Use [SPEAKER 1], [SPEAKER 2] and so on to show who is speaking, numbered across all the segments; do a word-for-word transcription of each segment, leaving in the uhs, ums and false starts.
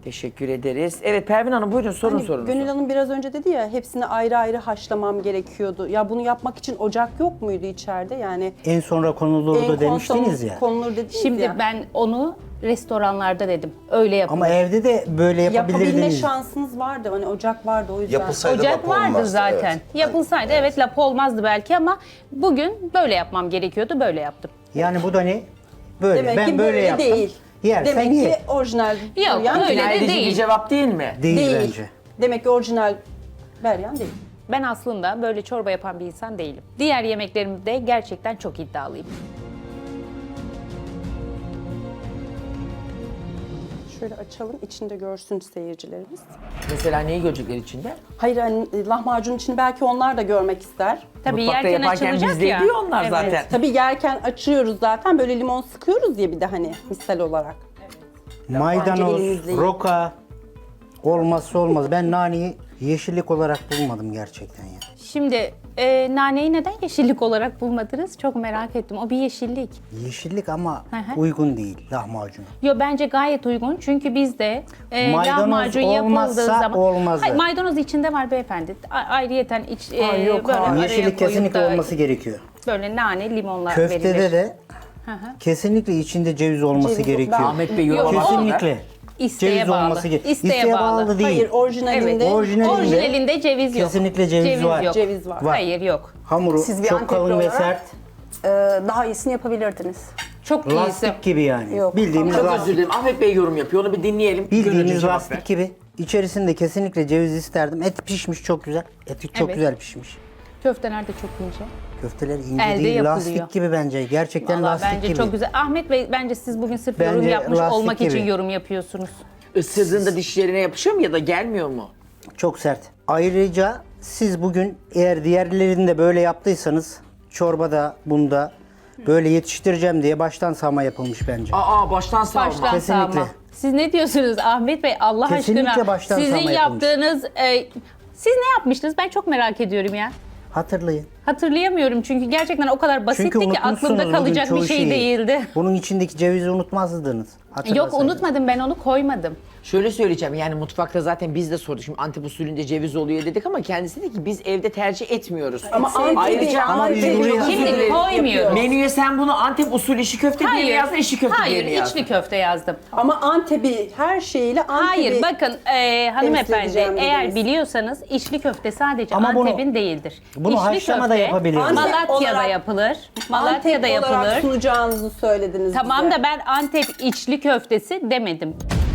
[SPEAKER 1] Teşekkür ederiz. Evet Pervin Hanım buyurun sorun
[SPEAKER 2] Hani
[SPEAKER 1] sorunuzu.
[SPEAKER 2] Gönül Hanım biraz önce dedi ya hepsini ayrı ayrı haşlamam gerekiyordu. Ya bunu yapmak için ocak yok muydu içeride? Yani
[SPEAKER 3] En sonra konulur
[SPEAKER 2] en
[SPEAKER 3] da demiştiniz
[SPEAKER 2] son
[SPEAKER 3] ya.
[SPEAKER 2] konulur dediniz
[SPEAKER 4] Şimdi
[SPEAKER 2] ya.
[SPEAKER 4] ben onu restoranlarda dedim. Öyle yapın.
[SPEAKER 3] Ama evde de böyle
[SPEAKER 2] Yapabilme
[SPEAKER 3] yapabilirdiniz.
[SPEAKER 2] şansınız vardı. Hani ocak vardı o yüzden.
[SPEAKER 5] Yapılsaydı
[SPEAKER 4] Ocak
[SPEAKER 5] lapa
[SPEAKER 4] vardı
[SPEAKER 5] olmazdı,
[SPEAKER 4] zaten.
[SPEAKER 5] evet.
[SPEAKER 4] Yapılsaydı evet lap olmazdı belki ama bugün böyle yapmam gerekiyordu. Böyle yaptım.
[SPEAKER 3] Yani bu da ne? Böyle.
[SPEAKER 2] Demek
[SPEAKER 3] ben
[SPEAKER 2] ki
[SPEAKER 3] böyle,
[SPEAKER 2] böyle
[SPEAKER 3] yaptım.
[SPEAKER 2] değil.
[SPEAKER 3] Yersen
[SPEAKER 2] Demek
[SPEAKER 3] ye.
[SPEAKER 2] ki orijinal
[SPEAKER 4] Yok,
[SPEAKER 2] Beryan
[SPEAKER 4] öyle de
[SPEAKER 1] İkna edici bir
[SPEAKER 4] değil.
[SPEAKER 1] cevap değil mi?
[SPEAKER 3] Değil,
[SPEAKER 2] değil.
[SPEAKER 3] bence.
[SPEAKER 2] Demek ki orijinal Beryan değil.
[SPEAKER 4] Ben aslında böyle çorba yapan bir insan değilim. Diğer yemeklerimde gerçekten çok iddialıyım.
[SPEAKER 2] Şöyle açalım içinde görsün seyircilerimiz.
[SPEAKER 1] Mesela neyi görecekler içinde?
[SPEAKER 2] Hayır hani lahmacun için belki onlar da görmek ister.
[SPEAKER 4] Tabii
[SPEAKER 1] Mutfakta
[SPEAKER 4] yerken
[SPEAKER 1] yaparken
[SPEAKER 4] açılacak
[SPEAKER 1] bizde
[SPEAKER 4] ya.
[SPEAKER 1] ediyor onlar
[SPEAKER 4] Evet.
[SPEAKER 1] zaten.
[SPEAKER 2] Tabii yerken açıyoruz zaten böyle limon sıkıyoruz ya bir de hani misal olarak.
[SPEAKER 3] Maydanoz,
[SPEAKER 2] elinizle-
[SPEAKER 3] roka olmazsa olmaz. Ben naneyi yeşillik olarak bulmadım gerçekten ya.
[SPEAKER 4] Şimdi e, naneyi neden yeşillik olarak bulmadınız? Çok merak ettim. O bir yeşillik.
[SPEAKER 3] Yeşillik ama
[SPEAKER 4] Hı hı.
[SPEAKER 3] uygun değil lahmacuna.
[SPEAKER 4] Yo bence gayet uygun çünkü bizde e,
[SPEAKER 3] Maydanoz
[SPEAKER 4] lahmacun yapıldığı
[SPEAKER 3] olmazsa
[SPEAKER 4] zaman...
[SPEAKER 3] olmazı.
[SPEAKER 4] Hayır, maydanoz içinde var beyefendi. A- ayrıyeten iç, e,
[SPEAKER 2] Aa, yok
[SPEAKER 4] böyle
[SPEAKER 2] abi.
[SPEAKER 4] araya
[SPEAKER 3] Yeşillik
[SPEAKER 4] koyup
[SPEAKER 3] kesinlikle
[SPEAKER 4] da
[SPEAKER 3] olması gerekiyor.
[SPEAKER 4] Böyle nane, limonla
[SPEAKER 3] Köftede
[SPEAKER 4] verilir.
[SPEAKER 3] de kesinlikle içinde ceviz olması
[SPEAKER 2] Ceviz yok.
[SPEAKER 3] gerekiyor.
[SPEAKER 2] Ben-
[SPEAKER 1] Ahmet Bey
[SPEAKER 4] Yok,
[SPEAKER 1] yoruma
[SPEAKER 3] Kesinlikle.
[SPEAKER 4] İsteğe
[SPEAKER 3] ceviz
[SPEAKER 4] bağlı.
[SPEAKER 3] olması gerekiyor.
[SPEAKER 4] İsteğe bağlı.
[SPEAKER 3] değil.
[SPEAKER 2] Hayır orijinalinde
[SPEAKER 4] Evet.
[SPEAKER 3] Orijinalinde,
[SPEAKER 4] Orijinalinde ceviz yok.
[SPEAKER 3] kesinlikle ceviz var.
[SPEAKER 4] Yok.
[SPEAKER 2] ceviz var.
[SPEAKER 3] Var.
[SPEAKER 4] Hayır yok.
[SPEAKER 3] Hamuru
[SPEAKER 6] Siz bir
[SPEAKER 3] çok
[SPEAKER 6] Antepli
[SPEAKER 3] kalın ve
[SPEAKER 6] olarak-
[SPEAKER 3] sert.
[SPEAKER 6] Ee, daha iyisini yapabilirdiniz.
[SPEAKER 4] Çok iyisi.
[SPEAKER 3] Lastik gibi yani.
[SPEAKER 6] Yok.
[SPEAKER 3] Bildiğimiz
[SPEAKER 1] Çok özür
[SPEAKER 3] lastik.
[SPEAKER 1] dilerim. Ahmet Bey yorum yapıyor. Onu bir dinleyelim. Gönülcü
[SPEAKER 3] Bildiğimiz
[SPEAKER 1] cevap
[SPEAKER 3] lastik
[SPEAKER 1] ver.
[SPEAKER 3] gibi. İçerisinde kesinlikle ceviz isterdim. Et pişmiş çok güzel. Eti çok
[SPEAKER 4] Evet.
[SPEAKER 3] güzel pişmiş.
[SPEAKER 4] Köfteler de çok ince.
[SPEAKER 3] Köfteler ince
[SPEAKER 4] Elde
[SPEAKER 3] değil,
[SPEAKER 4] yapılıyor.
[SPEAKER 3] lastik gibi bence. Gerçekten
[SPEAKER 4] Vallahi
[SPEAKER 3] lastik
[SPEAKER 4] bence
[SPEAKER 3] gibi.
[SPEAKER 4] çok güzel. Ahmet Bey bence siz bugün sırf yorum
[SPEAKER 3] Bence
[SPEAKER 4] yapmış
[SPEAKER 3] lastik
[SPEAKER 4] olmak
[SPEAKER 3] gibi.
[SPEAKER 4] için yorum yapıyorsunuz.
[SPEAKER 1] Isırdığında dişlerine yapışıyor mu ya da gelmiyor mu?
[SPEAKER 3] Çok sert. Ayrıca siz bugün eğer diğerlerini de böyle yaptıysanız çorbada, bunda böyle yetiştireceğim diye baştan sağma yapılmış bence.
[SPEAKER 1] Aa baştan savma.
[SPEAKER 4] Baştan
[SPEAKER 3] Kesinlikle.
[SPEAKER 4] sağma. Siz ne diyorsunuz Ahmet Bey Allah
[SPEAKER 3] Kesinlikle
[SPEAKER 4] aşkına?
[SPEAKER 3] baştan
[SPEAKER 4] Sizin
[SPEAKER 3] sağma yapılmış.
[SPEAKER 4] yaptığınız... e, siz ne yapmıştınız? Ben çok merak ediyorum ya.
[SPEAKER 3] Hatırlayın.
[SPEAKER 4] Hatırlayamıyorum çünkü gerçekten o kadar basitti
[SPEAKER 3] Çünkü
[SPEAKER 4] ki
[SPEAKER 3] unutmuşsunuz
[SPEAKER 4] aklımda
[SPEAKER 3] bugün
[SPEAKER 4] kalacak
[SPEAKER 3] çoğu
[SPEAKER 4] bir şey
[SPEAKER 3] şeyi.
[SPEAKER 4] değildi.
[SPEAKER 3] Bunun içindeki cevizi unutmazdınız.
[SPEAKER 4] Yok
[SPEAKER 3] Hatırlasaydınız.
[SPEAKER 4] unutmadım ben onu koymadım.
[SPEAKER 1] Şöyle söyleyeceğim yani mutfakta zaten biz de sorduk. Şimdi Antep usulünde ceviz oluyor dedik ama kendisi dedi ki biz evde tercih etmiyoruz.
[SPEAKER 2] Ama Antep'i-
[SPEAKER 1] ayrıca
[SPEAKER 3] Ama biz
[SPEAKER 2] Antep'i
[SPEAKER 3] buraya-
[SPEAKER 2] çok
[SPEAKER 4] Şimdi
[SPEAKER 2] güzel
[SPEAKER 4] koymuyoruz.
[SPEAKER 2] yapıyor.
[SPEAKER 1] menüye sen bunu Antep usulü işi köfte diye mi yazdın, işi köfte
[SPEAKER 4] hayır,
[SPEAKER 1] diye mi yazdın?
[SPEAKER 4] içli köfte yazdım.
[SPEAKER 2] Ama Antep'i her şeyiyle Antep'i...
[SPEAKER 4] Hayır bakın e, hanımefendi
[SPEAKER 2] edeceğim
[SPEAKER 4] eğer
[SPEAKER 2] dediniz.
[SPEAKER 4] biliyorsanız içli köfte sadece
[SPEAKER 3] Ama bunu-
[SPEAKER 4] Antep'in değildir.
[SPEAKER 3] bunu
[SPEAKER 4] İçli
[SPEAKER 3] haşlama da
[SPEAKER 4] köfte
[SPEAKER 3] yapabiliriz.
[SPEAKER 2] Antep
[SPEAKER 4] Malatya'da
[SPEAKER 2] olarak-
[SPEAKER 4] yapılır. Malatya'da
[SPEAKER 2] Antep olarak
[SPEAKER 4] yapılır.
[SPEAKER 2] sunacağınızı söylediniz
[SPEAKER 4] Tamam
[SPEAKER 2] bize.
[SPEAKER 4] da ben Antep içli köftesi demedim.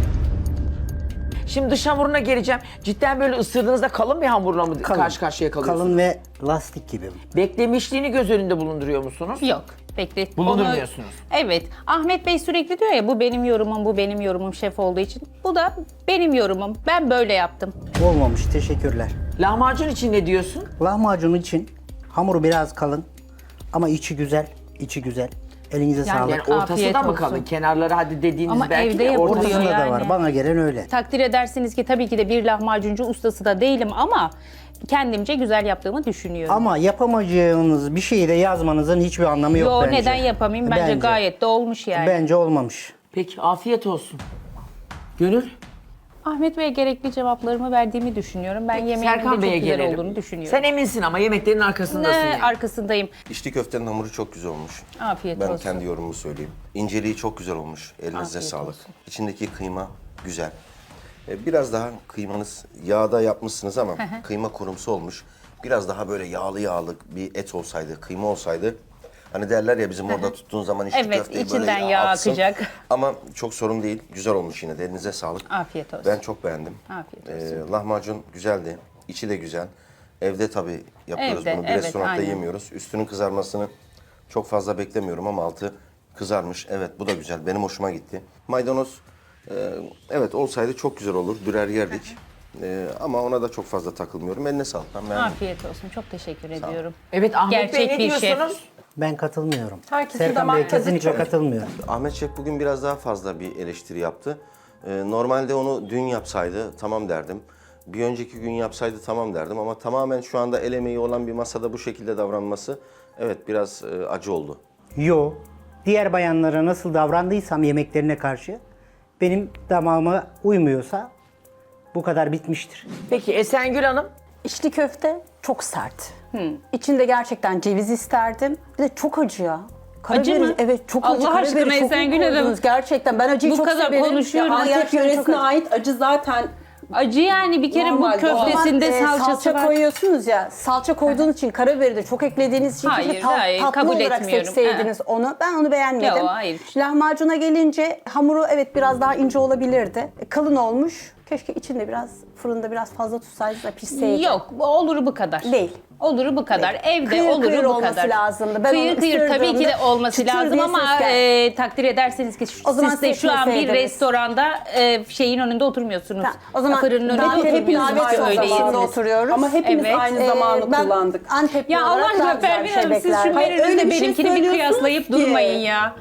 [SPEAKER 1] Şimdi dış hamuruna geleceğim. Cidden böyle ısırdığınızda kalın bir hamurla mı
[SPEAKER 3] Kalın.
[SPEAKER 1] karşı karşıya kalıyorsunuz?
[SPEAKER 3] Kalın ve lastik gibi.
[SPEAKER 1] Beklemişliğini göz önünde bulunduruyor musunuz?
[SPEAKER 4] Yok. Bekle.
[SPEAKER 1] Bulundurmuyorsunuz.
[SPEAKER 4] Onu- Evet. Ahmet Bey sürekli diyor ya bu benim yorumum, bu benim yorumum şef olduğu için. Bu da benim yorumum. Ben böyle yaptım.
[SPEAKER 3] Olmamış. Teşekkürler.
[SPEAKER 1] Lahmacun için ne diyorsun?
[SPEAKER 3] Lahmacun için hamuru biraz kalın ama içi güzel. içi güzel. Elinize sağlık.
[SPEAKER 1] Yani ortası
[SPEAKER 4] Afiyet
[SPEAKER 1] da mı
[SPEAKER 4] olsun.
[SPEAKER 1] kalın? Kenarları hadi dediğiniz
[SPEAKER 4] Ama
[SPEAKER 1] belki
[SPEAKER 4] evde
[SPEAKER 1] de
[SPEAKER 4] yapılıyor.
[SPEAKER 1] ortası
[SPEAKER 3] Ortasında da
[SPEAKER 4] yani.
[SPEAKER 3] var. Bana gelen öyle.
[SPEAKER 4] Takdir edersiniz ki tabii ki de bir lahmacuncu ustası da değilim ama kendimce güzel yaptığımı düşünüyorum.
[SPEAKER 3] Ama yapamayacağınız bir şeyi de yazmanızın hiçbir anlamı yok
[SPEAKER 4] Yo
[SPEAKER 3] bence.
[SPEAKER 4] neden yapamayayım? Bence, gayet de olmuş yani.
[SPEAKER 3] Bence olmamış.
[SPEAKER 1] Peki afiyet olsun. Gönül?
[SPEAKER 4] Ahmet Bey'e gerekli cevaplarımı verdiğimi düşünüyorum. Ben yemeğimin de
[SPEAKER 1] Serkan
[SPEAKER 4] çok
[SPEAKER 1] Bey'e
[SPEAKER 4] güzel
[SPEAKER 1] gelelim.
[SPEAKER 4] olduğunu düşünüyorum.
[SPEAKER 1] Sen eminsin ama yemeklerin arkasındasın
[SPEAKER 4] ne
[SPEAKER 1] yani.
[SPEAKER 4] arkasındayım.
[SPEAKER 5] İçli köftenin hamuru çok güzel olmuş.
[SPEAKER 4] Afiyet
[SPEAKER 5] ben
[SPEAKER 4] olsun.
[SPEAKER 5] kendi yorumumu söyleyeyim. İnceliği çok güzel olmuş. Elinize
[SPEAKER 4] Afiyet
[SPEAKER 5] sağlık.
[SPEAKER 4] olsun.
[SPEAKER 5] İçindeki kıyma güzel. Ee, Biraz daha kıymanız yağda yapmışsınız ama kıyma kurumsu olmuş. Biraz daha böyle yağlı yağlı bir et olsaydı, kıyma olsaydı. Hani derler ya bizim orada tuttuğun zaman içli
[SPEAKER 4] Evet,
[SPEAKER 5] köfteyi
[SPEAKER 4] içinden
[SPEAKER 5] böyle
[SPEAKER 4] yağ
[SPEAKER 5] aksın.
[SPEAKER 4] akacak.
[SPEAKER 5] Ama çok sorun değil. Güzel olmuş yine de. Elinize sağlık.
[SPEAKER 4] Afiyet olsun.
[SPEAKER 5] Ben çok beğendim.
[SPEAKER 4] Afiyet olsun.
[SPEAKER 5] Ee, lahmacun güzeldi. İçi de güzel. Evde tabii yapıyoruz
[SPEAKER 4] Evde,
[SPEAKER 5] bunu. Bir
[SPEAKER 4] evet,
[SPEAKER 5] restoranda
[SPEAKER 4] aynen.
[SPEAKER 5] yemiyoruz. Üstünün kızarmasını çok fazla beklemiyorum ama altı kızarmış. Evet bu da güzel. Benim hoşuma gitti. Maydanoz e, evet olsaydı çok güzel olur. Dürer yerdik. E, ama ona da çok fazla takılmıyorum. Eline sağlık. Ben beğendim.
[SPEAKER 4] Afiyet olsun. Çok teşekkür ediyorum.
[SPEAKER 1] Evet Ahmet Bey
[SPEAKER 4] Gerçek
[SPEAKER 1] ne
[SPEAKER 4] bir şef.
[SPEAKER 1] diyorsunuz?
[SPEAKER 3] Ben katılmıyorum.
[SPEAKER 2] Herkesin
[SPEAKER 3] Serkan
[SPEAKER 2] damak
[SPEAKER 3] Bey
[SPEAKER 2] tadı
[SPEAKER 3] kesinlikle
[SPEAKER 2] çok-
[SPEAKER 3] katılmıyor.
[SPEAKER 5] Ahmet Şef bugün biraz daha fazla bir eleştiri yaptı. Ee, normalde onu dün yapsaydı tamam derdim. Bir önceki gün yapsaydı tamam derdim ama tamamen şu anda el emeği olan bir masada bu şekilde davranması evet biraz e, acı oldu.
[SPEAKER 3] Yo. Diğer bayanlara nasıl davrandıysam yemeklerine karşı benim damağıma uymuyorsa bu kadar bitmiştir.
[SPEAKER 1] Peki Esengül Hanım?
[SPEAKER 6] İçli köfte çok sert. İçinde gerçekten ceviz isterdim. Bir de çok acı ya.
[SPEAKER 4] Acı
[SPEAKER 6] Karabiberi-
[SPEAKER 4] mı?
[SPEAKER 6] Evet çok acı.
[SPEAKER 4] Allah
[SPEAKER 6] Karabiberi
[SPEAKER 4] aşkına
[SPEAKER 6] çok iyi
[SPEAKER 4] Esengül Hanım.
[SPEAKER 6] koydunuz. Gerçekten ben acıyı
[SPEAKER 4] Bu
[SPEAKER 6] çok
[SPEAKER 4] kadar
[SPEAKER 6] severim.
[SPEAKER 4] konuşuyoruz.
[SPEAKER 6] Ya,
[SPEAKER 2] Antep
[SPEAKER 6] gerçekten çok
[SPEAKER 2] yöresine
[SPEAKER 6] acı.
[SPEAKER 2] ait acı zaten
[SPEAKER 4] Acı yani bir kere
[SPEAKER 2] Normal,
[SPEAKER 4] bu köftesinde
[SPEAKER 6] O zaman, e,
[SPEAKER 4] salçası
[SPEAKER 6] salça
[SPEAKER 4] var.
[SPEAKER 6] koyuyorsunuz ya. Salça koyduğunuz için karabiberi de çok eklediğiniz için
[SPEAKER 4] Hayır,
[SPEAKER 6] keşke tat-
[SPEAKER 4] hayır,
[SPEAKER 6] tatlı
[SPEAKER 4] kabul
[SPEAKER 6] olarak
[SPEAKER 4] etmiyorum.
[SPEAKER 6] seçseydiniz onu. Ben onu beğenmedim.
[SPEAKER 4] Yok, hayır.
[SPEAKER 6] Lahmacuna gelince hamuru evet biraz daha ince olabilirdi. E, Kalın olmuş. Keşke içinde biraz fırında biraz fazla tutsaydınız da pişseydi.
[SPEAKER 4] Yok, bu olur bu kadar.
[SPEAKER 6] Değil.
[SPEAKER 4] Olur bu kadar. Evde
[SPEAKER 6] Kıyır
[SPEAKER 4] olur
[SPEAKER 6] kıyır
[SPEAKER 4] bu
[SPEAKER 6] olması
[SPEAKER 4] kadar.
[SPEAKER 6] lazımdı. Ben
[SPEAKER 4] kıyır
[SPEAKER 6] onu
[SPEAKER 4] kıyır tabii ki de
[SPEAKER 6] ısırdığımda
[SPEAKER 4] olması
[SPEAKER 6] çıtır
[SPEAKER 4] lazım
[SPEAKER 6] diye
[SPEAKER 4] ama
[SPEAKER 6] ses geldi.
[SPEAKER 4] e, takdir ederseniz ki
[SPEAKER 6] O zaman
[SPEAKER 4] siz de şu an bir
[SPEAKER 6] seçmeseydiniz.
[SPEAKER 4] restoranda e, şeyin önünde oturmuyorsunuz.
[SPEAKER 6] Ha, o zaman
[SPEAKER 4] fırının önünde
[SPEAKER 6] davet-
[SPEAKER 4] oturmuyorsunuz.
[SPEAKER 6] davet
[SPEAKER 4] Öyle
[SPEAKER 6] sofrasında
[SPEAKER 4] yediniz.
[SPEAKER 6] oturuyoruz.
[SPEAKER 2] ama hepimiz
[SPEAKER 4] Evet.
[SPEAKER 2] aynı
[SPEAKER 6] Ee,
[SPEAKER 2] zamanı
[SPEAKER 6] ben
[SPEAKER 2] kullandık.
[SPEAKER 6] Antepli
[SPEAKER 4] Ya Allah
[SPEAKER 6] olarak daha
[SPEAKER 4] aşkına
[SPEAKER 6] güzel
[SPEAKER 4] Pervin
[SPEAKER 6] bir
[SPEAKER 4] Hanım
[SPEAKER 6] şey
[SPEAKER 4] siz şu
[SPEAKER 6] beklerdim.
[SPEAKER 2] Hayır, öyle
[SPEAKER 4] menünüzle
[SPEAKER 2] bir şey
[SPEAKER 4] benimkini bir
[SPEAKER 2] söylüyorsunuz
[SPEAKER 4] kıyaslayıp
[SPEAKER 2] ki.
[SPEAKER 4] durmayın ya.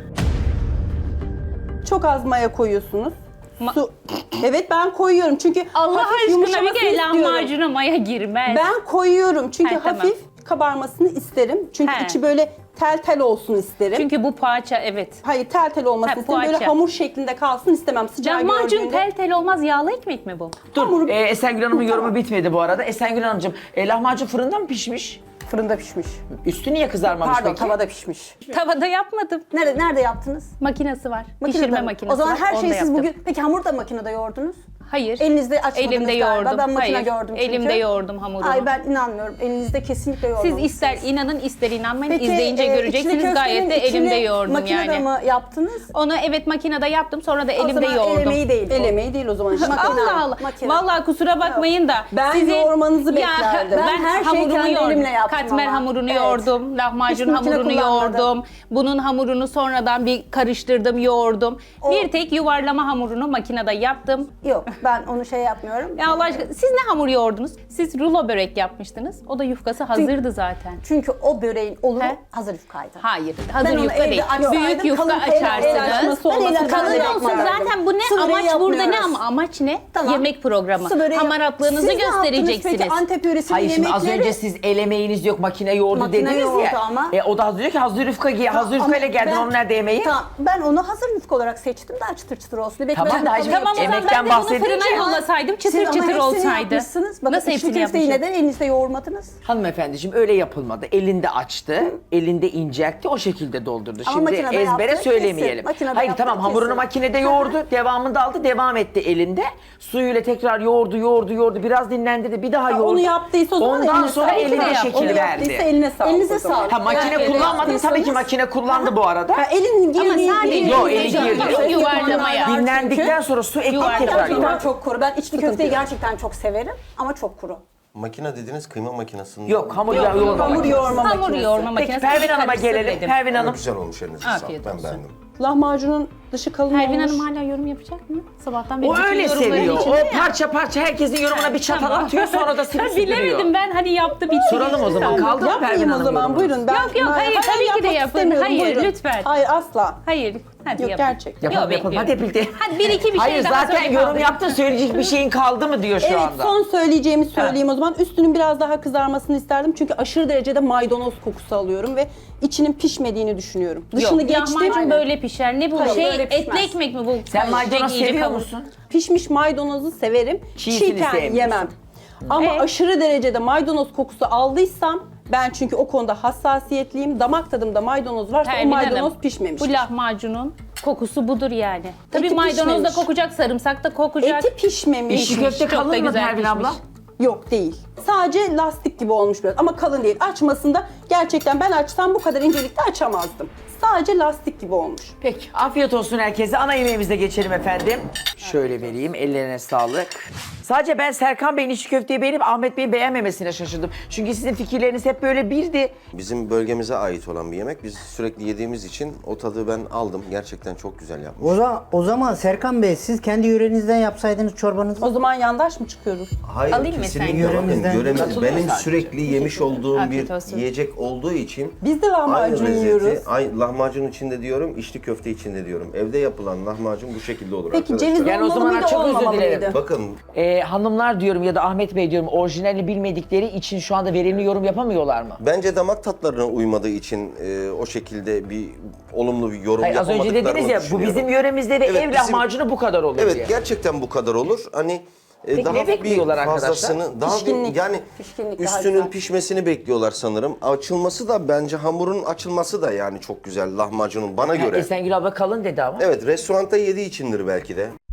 [SPEAKER 2] Çok az maya koyuyorsunuz.
[SPEAKER 4] Ma-
[SPEAKER 2] Su. Evet ben koyuyorum çünkü
[SPEAKER 4] Allah
[SPEAKER 2] hafif
[SPEAKER 4] aşkına bir
[SPEAKER 2] yumuşamasını
[SPEAKER 4] kere
[SPEAKER 2] istiyorum.
[SPEAKER 4] lahmacuna maya girmez.
[SPEAKER 2] Ben koyuyorum çünkü
[SPEAKER 4] He, tamam.
[SPEAKER 2] hafif kabarmasını isterim. Çünkü
[SPEAKER 4] He.
[SPEAKER 2] içi böyle tel tel olsun isterim.
[SPEAKER 4] Çünkü bu poğaça evet.
[SPEAKER 2] Hayır tel tel olmasını
[SPEAKER 4] He,
[SPEAKER 2] isterim. Böyle
[SPEAKER 4] poğaça.
[SPEAKER 2] hamur şeklinde kalsın istemem. Sıcağı
[SPEAKER 4] Lahmacun
[SPEAKER 2] gördüğünde.
[SPEAKER 4] tel tel olmaz, yağlı ekmek mi bu?
[SPEAKER 1] Dur, e, Esengül Hanım'ın yorumu bitmedi bu arada. Esengül Hanımcığım, e, lahmacun fırında mı pişmiş?
[SPEAKER 6] Fırında pişmiş.
[SPEAKER 1] Üstü niye kızarmamış
[SPEAKER 6] Pardon
[SPEAKER 1] peki?
[SPEAKER 6] tavada pişmiş.
[SPEAKER 4] Tavada yapmadım.
[SPEAKER 6] Nerede nerede yaptınız?
[SPEAKER 4] Makinesi var.
[SPEAKER 6] Makinede
[SPEAKER 4] Pişirme
[SPEAKER 6] mi?
[SPEAKER 4] makinesi
[SPEAKER 6] O zaman
[SPEAKER 4] var.
[SPEAKER 6] her
[SPEAKER 4] onda
[SPEAKER 6] şeyi siz
[SPEAKER 4] yaptım.
[SPEAKER 6] bugün... Peki hamur da makinede yoğurdunuz?
[SPEAKER 4] Hayır.
[SPEAKER 6] Elinizde açmadınız
[SPEAKER 4] Elimde
[SPEAKER 6] galiba.
[SPEAKER 4] yoğurdum.
[SPEAKER 6] Ben makine
[SPEAKER 4] Hayır.
[SPEAKER 6] gördüm çünkü.
[SPEAKER 4] Elimde yoğurdum hamurunu.
[SPEAKER 6] Ay ben inanmıyorum. Elinizde kesinlikle
[SPEAKER 4] Siz
[SPEAKER 6] yoğurdunuz.
[SPEAKER 4] ister inanın ister inanmayın.
[SPEAKER 6] Peki,
[SPEAKER 4] İzleyince
[SPEAKER 6] e, içli
[SPEAKER 4] göreceksiniz.
[SPEAKER 6] köftenin
[SPEAKER 4] Gayet de elimde
[SPEAKER 6] içini
[SPEAKER 4] yoğurdum
[SPEAKER 6] makinede
[SPEAKER 4] yani.
[SPEAKER 6] mı yaptınız?
[SPEAKER 4] Onu evet makinede yaptım. Sonra da
[SPEAKER 6] O
[SPEAKER 4] elimde
[SPEAKER 6] zaman
[SPEAKER 4] yoğurdum.
[SPEAKER 6] el emeği değil. bu.
[SPEAKER 2] El emeği değil o zaman. Şimdi
[SPEAKER 6] Makine.
[SPEAKER 4] Allah Allah.
[SPEAKER 6] Makine.
[SPEAKER 4] Vallahi kusura bakmayın da.
[SPEAKER 2] Ben
[SPEAKER 4] sizin-
[SPEAKER 2] yoğurmanızı
[SPEAKER 4] Ya,
[SPEAKER 2] beklerdim.
[SPEAKER 4] Ben,
[SPEAKER 6] Ben her şeyi
[SPEAKER 4] hamurumu
[SPEAKER 6] kendi
[SPEAKER 4] yoğurdum.
[SPEAKER 6] elimle yaptım
[SPEAKER 4] Katmer
[SPEAKER 6] ama.
[SPEAKER 4] hamurunu
[SPEAKER 6] Evet.
[SPEAKER 4] yoğurdum. Lahmacun
[SPEAKER 6] Hiç makine
[SPEAKER 4] hamurunu
[SPEAKER 6] kullanmadım.
[SPEAKER 4] yoğurdum. Bunun hamurunu sonradan bir karıştırdım, yoğurdum.
[SPEAKER 6] O-
[SPEAKER 4] Bir tek yuvarlama hamurunu makinede yaptım.
[SPEAKER 6] Yok ben onu şey yapmıyorum.
[SPEAKER 4] Ya Allah aşkına siz ne hamur yoğurdunuz? Siz rulo börek yapmıştınız. O da yufkası hazırdı zaten.
[SPEAKER 6] Çünkü o böreğin oluru
[SPEAKER 4] He?
[SPEAKER 6] hazır yufkaydı.
[SPEAKER 4] Hayır, hazır
[SPEAKER 6] Ben onu
[SPEAKER 4] yufka
[SPEAKER 6] evde
[SPEAKER 4] değil.
[SPEAKER 6] açsaydım,
[SPEAKER 4] Büyük yufka
[SPEAKER 6] kalın el- el
[SPEAKER 4] açarsınız.
[SPEAKER 2] açması
[SPEAKER 6] Ben
[SPEAKER 2] olması
[SPEAKER 6] el
[SPEAKER 2] lazım.
[SPEAKER 6] açması
[SPEAKER 4] Kalın olsun
[SPEAKER 6] yapmadım.
[SPEAKER 4] zaten bu ne?
[SPEAKER 6] Su böreği
[SPEAKER 4] Amaç burada ne
[SPEAKER 6] yapmıyoruz.
[SPEAKER 4] ama amaç ne?
[SPEAKER 6] Tamam.
[SPEAKER 4] Yemek programı.
[SPEAKER 6] Su böreği yap-
[SPEAKER 4] Hamaratlarınızı
[SPEAKER 6] Siz ne yaptınız
[SPEAKER 4] göstereceksiniz.
[SPEAKER 6] Peki Antep yöresinin
[SPEAKER 1] Hayır şimdi az
[SPEAKER 6] yemekleri...
[SPEAKER 1] önce siz el emeğiniz yok makine yoğurdu
[SPEAKER 6] Makine
[SPEAKER 1] dediniz
[SPEAKER 6] yoğurdu
[SPEAKER 1] ya.
[SPEAKER 6] ama.
[SPEAKER 1] E, o da hazır diyor ki hazır yufka, giy- hazır
[SPEAKER 6] Ama
[SPEAKER 1] yufkayla geldin
[SPEAKER 6] ben-
[SPEAKER 1] onun nerede yemeği?
[SPEAKER 6] Tamam ben onu hazır yufka olarak seçtim daha çıtır çıtır olsun. diye. Belki
[SPEAKER 1] Tamam
[SPEAKER 6] ben
[SPEAKER 1] da
[SPEAKER 6] de
[SPEAKER 1] hacım,
[SPEAKER 6] hamur
[SPEAKER 4] Tamam o zaman
[SPEAKER 1] Emekten
[SPEAKER 4] ben de bunu
[SPEAKER 1] bahsedince-
[SPEAKER 4] fırına yollasaydım çıtır
[SPEAKER 6] Siz ama
[SPEAKER 4] çıtır
[SPEAKER 6] hepsini
[SPEAKER 4] olsaydı.
[SPEAKER 6] yapmışsınız. Bakın
[SPEAKER 4] Nasıl
[SPEAKER 6] içli
[SPEAKER 4] hepsini
[SPEAKER 6] köfteyi
[SPEAKER 4] yapmışım?
[SPEAKER 6] neden elinizde yoğurmadınız?
[SPEAKER 1] Hanımefendiciğim öyle yapılmadı. Elinde açtı, elinde inceltti, o şekilde doldurdu.
[SPEAKER 6] Ama
[SPEAKER 1] Şimdi
[SPEAKER 6] makinede
[SPEAKER 1] ezbere
[SPEAKER 6] yaptı,
[SPEAKER 1] söylemeyelim.
[SPEAKER 6] kesin. Makinede
[SPEAKER 1] Hayır
[SPEAKER 6] yaptı,
[SPEAKER 1] tamam hamurunu
[SPEAKER 6] kesin.
[SPEAKER 1] makinede yoğurdu, devamında aldı, devam etti elinde. Suyuyla tekrar yoğurdu, yoğurdu, yoğurdu. Biraz dinlendirdi, bir daha
[SPEAKER 2] Ha,
[SPEAKER 1] yoğurdu.
[SPEAKER 2] onu yaptıysa o zaman
[SPEAKER 1] Ondan
[SPEAKER 2] eline
[SPEAKER 1] sonra
[SPEAKER 2] sağlık.
[SPEAKER 1] eline
[SPEAKER 2] Onu
[SPEAKER 1] şekil
[SPEAKER 2] yaptıysa
[SPEAKER 1] verdi.
[SPEAKER 2] eline sağlık.
[SPEAKER 6] Elinize
[SPEAKER 2] o zaman.
[SPEAKER 6] sağlık.
[SPEAKER 1] Ha makine
[SPEAKER 6] Yani
[SPEAKER 1] kullanmadım tabii ki
[SPEAKER 6] yaptıysanız-
[SPEAKER 1] makine kullandı bu arada.
[SPEAKER 2] Ha, elin
[SPEAKER 4] Ama
[SPEAKER 2] girdiği
[SPEAKER 4] sadece
[SPEAKER 1] Yok, eli girdi.
[SPEAKER 4] Yok, yuvarlamaya.
[SPEAKER 1] Dinlendikten sonra su ekleyip
[SPEAKER 4] Yuvarlak.
[SPEAKER 1] tekrar
[SPEAKER 6] Gerçekten
[SPEAKER 1] yoğurdu.
[SPEAKER 6] çok kuru. Ben içli köfteyi gerçekten çok severim ama çok kuru.
[SPEAKER 5] Makine dediğiniz kıyma makinesinde.
[SPEAKER 1] Yok hamur ya- yoğurma
[SPEAKER 2] hamur
[SPEAKER 1] makinesi.
[SPEAKER 2] yoğurma
[SPEAKER 4] Hamur
[SPEAKER 2] makinesi.
[SPEAKER 4] yoğurma
[SPEAKER 1] Peki
[SPEAKER 4] makinesi.
[SPEAKER 1] Pervin Hanım'a
[SPEAKER 4] karıştır
[SPEAKER 1] gelelim.
[SPEAKER 4] dedim.
[SPEAKER 1] Pervin
[SPEAKER 5] Ama
[SPEAKER 1] Hanım.
[SPEAKER 5] güzel olmuş elinize
[SPEAKER 4] Afiyet
[SPEAKER 5] sağlık. Ben
[SPEAKER 4] olsun.
[SPEAKER 5] beğendim.
[SPEAKER 2] Lahmacunun dışı kalın
[SPEAKER 4] Pervin
[SPEAKER 2] olmuş.
[SPEAKER 4] Hanım hala yorum yapacak mı? Sabahtan beri
[SPEAKER 1] O
[SPEAKER 4] bütün
[SPEAKER 1] öyle
[SPEAKER 4] yorumların
[SPEAKER 1] seviyor.
[SPEAKER 4] içinde
[SPEAKER 1] O
[SPEAKER 4] ya.
[SPEAKER 1] parça parça herkesin yorumuna bir çatal
[SPEAKER 4] Tamam.
[SPEAKER 1] atıyor sonra da silip
[SPEAKER 4] Ben
[SPEAKER 1] süpürüyor.
[SPEAKER 4] bilemedim ben hani yaptı bitti.
[SPEAKER 1] Soralım o zaman.
[SPEAKER 4] Kaldı.
[SPEAKER 1] Kaldı mı Pervin
[SPEAKER 2] Yapmayayım o
[SPEAKER 1] Hanım
[SPEAKER 2] zaman
[SPEAKER 1] yorumu?
[SPEAKER 2] buyurun. Ben,
[SPEAKER 4] Yok, yok,
[SPEAKER 2] ben-
[SPEAKER 4] hayır, tabii ki de
[SPEAKER 2] yapmak
[SPEAKER 4] yapın.
[SPEAKER 2] istemiyorum,
[SPEAKER 4] Hayır,
[SPEAKER 2] buyurun.
[SPEAKER 4] lütfen.
[SPEAKER 2] Hayır asla.
[SPEAKER 4] Hayır. Hadi
[SPEAKER 2] Yok,
[SPEAKER 4] yapın.
[SPEAKER 2] gerçekten.
[SPEAKER 1] Yapalım
[SPEAKER 4] Yok,
[SPEAKER 1] yapalım.
[SPEAKER 4] bekliyorum.
[SPEAKER 1] Hadi Pilti.
[SPEAKER 4] Hadi bir iki bir şey
[SPEAKER 1] Hayır
[SPEAKER 4] daha
[SPEAKER 1] zaten
[SPEAKER 4] söyle
[SPEAKER 1] yorum
[SPEAKER 4] kaldı.
[SPEAKER 1] yaptın söyleyecek bir şeyin kaldı mı diyor şu
[SPEAKER 2] Evet
[SPEAKER 1] anda.
[SPEAKER 2] son söyleyeceğimi söyleyeyim o zaman. Üstünün biraz daha kızarmasını isterdim. Çünkü aşırı derecede maydanoz kokusu alıyorum ve içinin pişmediğini düşünüyorum. Dışını
[SPEAKER 4] Yok,
[SPEAKER 2] geçtim.
[SPEAKER 4] lahmacun böyle pişer. Ne bu
[SPEAKER 6] Hayır,
[SPEAKER 4] şey
[SPEAKER 6] böyle pişmez.
[SPEAKER 4] etli ekmek mi bu?
[SPEAKER 1] Sen maydanoz
[SPEAKER 4] İyice
[SPEAKER 1] seviyor
[SPEAKER 4] kavur-
[SPEAKER 1] musun?
[SPEAKER 2] Pişmiş maydanozu severim.
[SPEAKER 1] Çiğsini
[SPEAKER 2] Çiğken
[SPEAKER 1] sevmiyorsun.
[SPEAKER 2] yemem. Ama
[SPEAKER 4] Ee?
[SPEAKER 2] aşırı derecede maydanoz kokusu aldıysam ben çünkü o konuda hassasiyetliyim. Damak tadımda maydanoz varsa
[SPEAKER 4] Pervin
[SPEAKER 2] o maydanoz
[SPEAKER 4] Hanım,
[SPEAKER 2] pişmemiştir.
[SPEAKER 4] Bu lahmacunun kokusu budur yani. Tabii
[SPEAKER 2] Eti
[SPEAKER 4] maydanoz da
[SPEAKER 2] pişmemiş.
[SPEAKER 4] kokacak, sarımsak da kokacak.
[SPEAKER 2] Eti pişmemiş.
[SPEAKER 1] İşi köfte
[SPEAKER 4] Çok da
[SPEAKER 1] kalın mı
[SPEAKER 4] güzel
[SPEAKER 1] Pervin
[SPEAKER 4] pişmiş.
[SPEAKER 1] abla?
[SPEAKER 2] Yok değil. Sadece lastik gibi olmuş biraz ama kalın değil. Açmasında gerçekten ben açsam bu kadar incelikte açamazdım. Sadece lastik gibi olmuş.
[SPEAKER 1] Peki afiyet olsun herkese. Ana yemeğimize geçelim efendim. Şöyle vereyim ellerine sağlık. Sadece ben Serkan Bey'in içli köfteyi beğenip Ahmet Bey'in beğenmemesine şaşırdım. Çünkü sizin fikirleriniz hep böyle birdi.
[SPEAKER 5] Bizim bölgemize ait olan bir yemek. Biz sürekli yediğimiz için o tadı ben aldım. Gerçekten çok güzel yapmış.
[SPEAKER 3] O zaman, o zaman Serkan Bey siz kendi yörenizden yapsaydınız çorbanızı.
[SPEAKER 2] O zaman yandaş mı çıkıyoruz?
[SPEAKER 5] Hayır
[SPEAKER 4] Alayım mı sen?
[SPEAKER 5] kesinlikle bakın
[SPEAKER 3] Yöremizden-
[SPEAKER 5] yöremiz
[SPEAKER 1] Katılıyor
[SPEAKER 5] benim
[SPEAKER 1] sadece.
[SPEAKER 5] sürekli yemiş olduğum
[SPEAKER 4] Afiyet
[SPEAKER 5] bir
[SPEAKER 4] olsun.
[SPEAKER 5] yiyecek olduğu için
[SPEAKER 2] Biz de lahmacun
[SPEAKER 5] aynı lezzeti-
[SPEAKER 2] yiyoruz.
[SPEAKER 5] Ay, lahmacun içinde diyorum, içli köfte içinde diyorum. Evde yapılan lahmacun bu şekilde olur
[SPEAKER 2] Peki
[SPEAKER 5] arkadaşlar.
[SPEAKER 2] ceviz
[SPEAKER 1] Yani o
[SPEAKER 2] olmalı
[SPEAKER 1] zaman
[SPEAKER 2] mıydı,
[SPEAKER 1] çok özür
[SPEAKER 2] olmamalı
[SPEAKER 1] dilerim.
[SPEAKER 2] mıydı?
[SPEAKER 5] Bakın
[SPEAKER 1] Ee, hanımlar diyorum ya da Ahmet Bey diyorum orijinalini bilmedikleri için şu anda verimli yorum yapamıyorlar mı?
[SPEAKER 5] bence damak tatlarına uymadığı için e, o şekilde bir olumlu bir yorum
[SPEAKER 1] Hayır, az önce
[SPEAKER 5] yapamadıklarını
[SPEAKER 1] dediniz ya bu
[SPEAKER 5] düşünüyorum.
[SPEAKER 1] bizim yöremizde ve
[SPEAKER 5] Evet,
[SPEAKER 1] ev
[SPEAKER 5] bizim-
[SPEAKER 1] lahmacunu bu kadar olur
[SPEAKER 5] Evet
[SPEAKER 1] diye.
[SPEAKER 5] gerçekten bu kadar olur. Hani e,
[SPEAKER 1] Peki
[SPEAKER 5] daha
[SPEAKER 1] ne bekliyorlar
[SPEAKER 5] bir
[SPEAKER 1] arkadaşlar?
[SPEAKER 5] fazlasını, daha bir,
[SPEAKER 2] Pişkinlik.
[SPEAKER 5] yani
[SPEAKER 2] Pişkinlik daha
[SPEAKER 5] üstünün
[SPEAKER 2] güzel.
[SPEAKER 5] pişmesini bekliyorlar sanırım. Açılması da bence hamurun açılması da yani çok güzel lahmacunun bana göre.
[SPEAKER 1] Esengül abla kalın dedi ama.
[SPEAKER 5] Evet restoranda yediği içindir belki de.